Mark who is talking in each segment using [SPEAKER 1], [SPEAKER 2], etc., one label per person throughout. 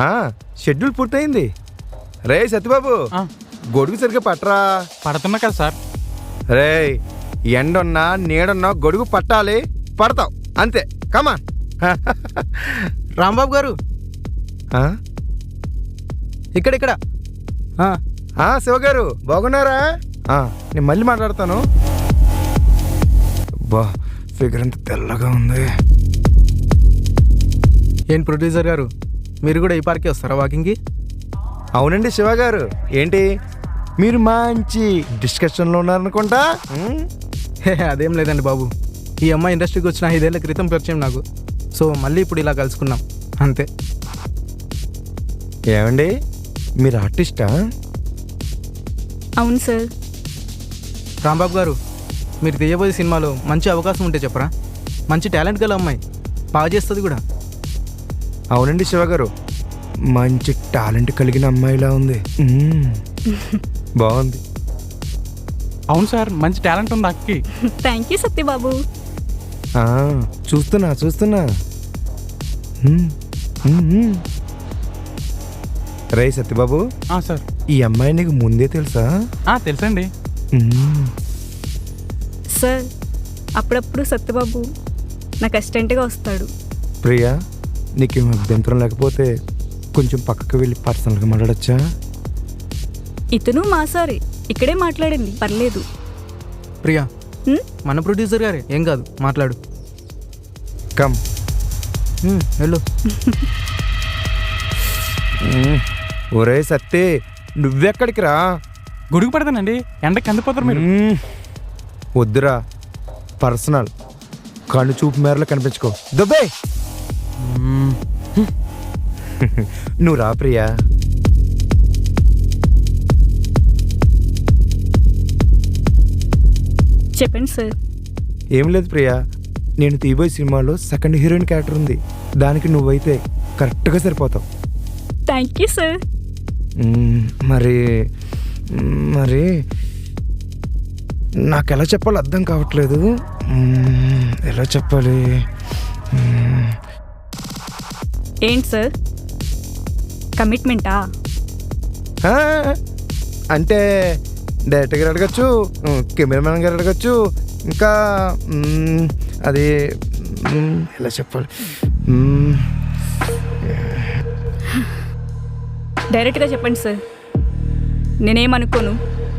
[SPEAKER 1] Schedule పూర్తయింది. రే సత్యబాబు, గొడుగు సరిగ్గా పట్టరా.
[SPEAKER 2] పడుతున్నా కదా సార్.
[SPEAKER 1] రే, ఎండున్నా నీడున్నా గొడుగు పట్టాలి, పడతావు అంతే. కమా
[SPEAKER 3] రాంబాబు గారు ఇక్కడ.
[SPEAKER 1] శివగారు బాగున్నారా? నేను మళ్ళీ మాట్లాడతాను. బా, ఫిగర్ అంత తెల్లగా ఉంది.
[SPEAKER 3] ఏంటి ప్రొడ్యూసర్ గారు, మీరు కూడా ఈ పార్క్కి వస్తారా వాకింగ్కి?
[SPEAKER 1] అవునండి శివగారు. ఏంటి మీరు మంచి డిస్కషన్లో ఉన్నారనుకుంటా?
[SPEAKER 3] అదేం లేదండి బాబు, ఈ అమ్మాయి ఇండస్ట్రీకి వచ్చిన 5 ఏళ్ల క్రితం పరిచయం నాకు. సో మళ్ళీ ఇప్పుడు ఇలా కలుసుకున్నాం అంతే.
[SPEAKER 1] ఏమండి మీరు ఆర్టిస్టా?
[SPEAKER 4] అవును సార్.
[SPEAKER 3] రాంబాబు గారు, మీరు తీయబోయే సినిమాలో మంచి అవకాశం ఉంటే చెప్పరా. మంచి టాలెంట్ గల అమ్మాయి, బాగా చేస్తుంది కూడా.
[SPEAKER 1] అవునండి శివగారు, మంచి టాలెంట్ కలిగిన అమ్మాయిలా ఉంది. బాగుంది.
[SPEAKER 2] అవును సార్, మంచి టాలెంట్ ఉంది అక్కి.
[SPEAKER 4] Thank you Satyababu.
[SPEAKER 1] చూస్తున్నా. రే సత్యబాబు,
[SPEAKER 2] సార్
[SPEAKER 1] ఈ అమ్మాయి నీకు ముందే తెలుసా?
[SPEAKER 2] తెలుసండి
[SPEAKER 4] సార్. అప్పుడప్పుడు సత్యబాబు నాకు అసిస్టెంట్గా వస్తాడు.
[SPEAKER 1] ప్రియా, నీకేం అభ్యంతరం లేకపోతే కొంచెం పక్కకు వెళ్ళి పర్సనల్గా మాట్లాడచ్చా?
[SPEAKER 4] ఇతను మా సారే, ఇక్కడే మాట్లాడండి, పర్లేదు.
[SPEAKER 3] ప్రియా, మన ప్రొడ్యూసర్ గారే, ఏం కాదు, మాట్లాడు.
[SPEAKER 1] కమ్
[SPEAKER 3] వెళ్ళు.
[SPEAKER 1] ఒరే సత్తే, నువ్వెక్కడికి రా.
[SPEAKER 2] గొడుగు పడతానండి, ఎండకి కందిపోతారు మీరు.
[SPEAKER 1] వద్దురా, పర్సనల్. కళ్ళు చూపు మేరలో కనిపించుకో. దుబ్బే నువ్వు రా ప్రియా.
[SPEAKER 4] చెప్పండి సార్.
[SPEAKER 1] ఏం లేదు ప్రియా, నేను తీబోయే సినిమాలో సెకండ్ హీరోయిన్ క్యారెక్టర్ ఉంది. దానికి నువ్వైతే కరెక్ట్గా సరిపోతావు.
[SPEAKER 4] Thank you sir.
[SPEAKER 1] మరి నాకు ఎలా చెప్పాలో అర్థం కావట్లేదు. ఎలా చెప్పాలి?
[SPEAKER 4] ఏంటి సార్, కమిట్మెంటా?
[SPEAKER 1] అంటే డైరెక్టర్ గారు అడగచ్చు, కెమెరామెన్ గారు అడగచ్చు, ఇంకా అది ఎలా చెప్పాలి?
[SPEAKER 4] డైరెక్ట్గా చెప్పండి సార్, నేనేమనుకోను.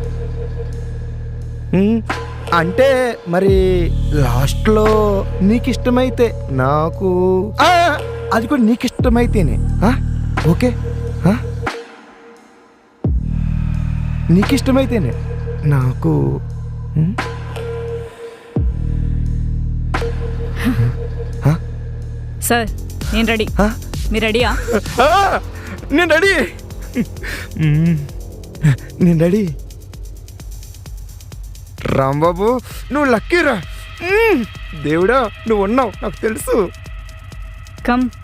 [SPEAKER 1] అంటే మరి లాస్ట్లో నీకు ఇష్టమైతే నాకు, అది కూడా నీకు ఇష్టమైతేనే ఓకే. నీకు ఇష్టమైతేనే నాకు.
[SPEAKER 4] సార్ నేను రెడీ, మీరు రెడీయా?
[SPEAKER 1] నేను రెడీ. రాంబాబు, నువ్వు లక్కీరా. దేవుడా, నువ్వు ఉన్నావు, నాకు తెలుసు.
[SPEAKER 4] కమ్.